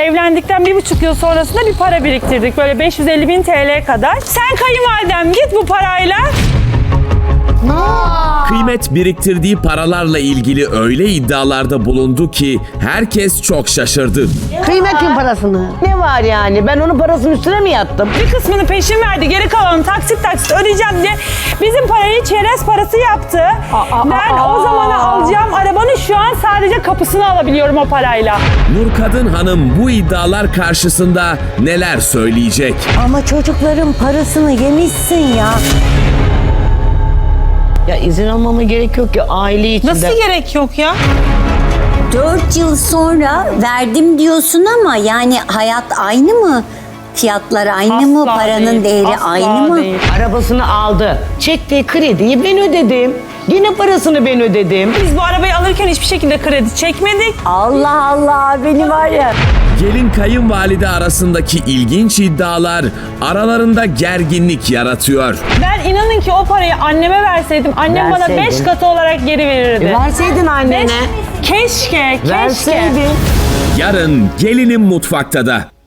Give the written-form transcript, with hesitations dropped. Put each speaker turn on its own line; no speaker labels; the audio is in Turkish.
Evlendikten 1,5 yıl sonrasında bir para biriktirdik. Böyle 550.000 TL kadar. Sen kayınvalidem git bu parayla.
Kıymet biriktirdiği paralarla ilgili öyle iddialarda bulundu ki herkes çok şaşırdı.
Kıymetin parasını. Ne var yani? Ben onun parasının üstüne mi yattım?
Bir kısmını peşin verdi, geri kalanını taksit taksit ödeyeceğim diye bizim parayı çerez parası yaptı. Ben o zamana alacağım arabanın şu an sadece kapısını alabiliyorum o parayla.
Nurkadın Hanım bu iddialar karşısında neler söyleyecek?
Ama çocukların parasını yemişsin ya.
Ya izin almama gerek yok ki aile içinde.
Nasıl gerek yok ya?
4 yıl sonra verdim diyorsun ama yani hayat aynı mı? Fiyatlar aynı mı?
Asla
Paranın
değil,
değeri
asla
aynı mı?
değil.
Arabasını aldı. Çektiği krediyi ben ödedim. Yine parasını ben ödedim.
Biz bu arabayı alırken hiçbir şekilde kredi çekmedik.
Allah Allah, beni var ya.
Gelin kayınvalide arasındaki ilginç iddialar aralarında gerginlik yaratıyor.
Ben inanın ki o parayı anneme verseydim, annem bana
Verseydin.
5 katı olarak geri verirdi.
Verseydin annene.
Keşke.
Verseydin.
Yarın gelinim mutfakta da.